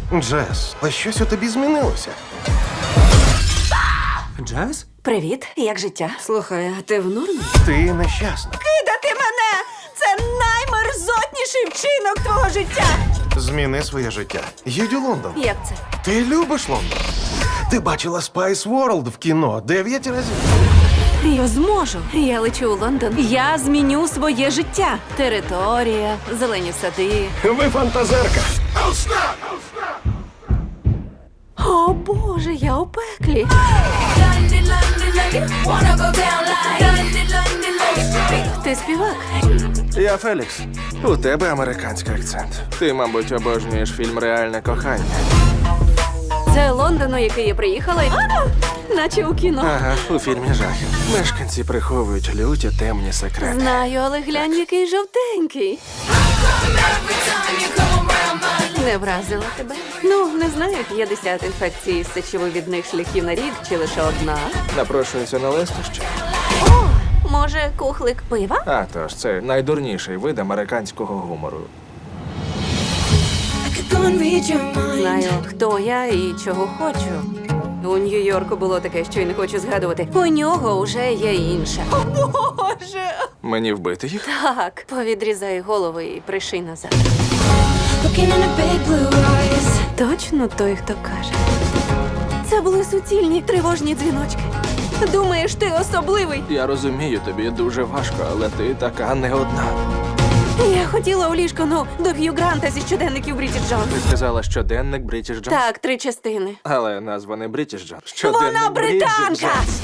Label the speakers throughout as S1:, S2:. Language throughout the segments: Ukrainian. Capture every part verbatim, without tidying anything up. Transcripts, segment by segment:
S1: Джес, а щось у тобі змінилося.
S2: Джаз?
S3: Привіт, як життя? Слухай, а ти в нормі?
S1: Ти нещасна.
S3: Кидати мене! Це наймерзотніший вчинок твого життя!
S1: Зміни своє життя. Їдь у Лондон.
S3: Як це?
S1: Ти любиш Лондон? Ти бачила Spice World в кіно дев'ять разів.
S3: Я зможу. Я лечу у Лондон. Я зміню своє життя. Територія, зелені сади.
S1: Ви фантазерка.
S3: О, Боже, я у пеклі. Ти співак?
S4: Я Фелікс. У тебе американський акцент. Ти, мабуть, обожнюєш фільм Реальне кохання.
S3: Це Лондон, у який я приїхала, і... наче у кіно.
S4: Ага, у фільмі жахів. Мешканці приховують люті темні секрети.
S3: Знаю, але глянь, який жовтенький. Не вразила тебе? Ну, не знаю, п'ятдесят інфекцій з сечовивідних шляхів на рік чи лише одна.
S4: Напрошується на лестощі.
S3: О, може, кухлик пива?
S4: А тож, це найдурніший вид американського гумору.
S3: Знаю, хто я і чого хочу. У Нью-Йорку було таке, що й не хочу згадувати. У нього вже є інше. О, Боже!
S4: Мені вбити їх?
S3: Так, повідрізай голови і приший назад. Точно той, хто каже. Це були суцільні тривожні дзвіночки. Думаєш, ти особливий?
S4: Я розумію, тобі дуже важко, але ти така не одна.
S3: Я хотіла у ліжко, ну, до Х'ю Гранта зі щоденників Бріджит Джонс.
S4: Ти сказала щоденник Брітіш Джонс?
S3: Так, три частини.
S4: Але назва не Брітіш Джонс. Щоденник
S3: Вона
S4: Бріджит
S3: британка!
S4: Джонс.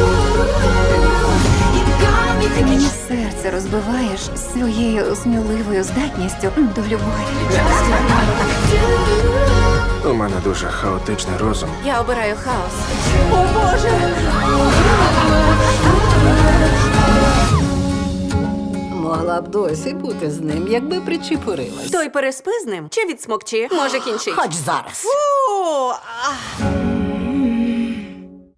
S5: Мені серце розбиваєш своєю сміливою здатністю до любові.
S4: У мене дуже хаотичний розум.
S3: Я обираю хаос. О, Боже!
S6: Могла б досі бути з ним, якби причепурилась.
S3: Той переспи з ним чи відсмокчи? Може, кінчить?
S6: Хоч зараз.
S3: Фу! а.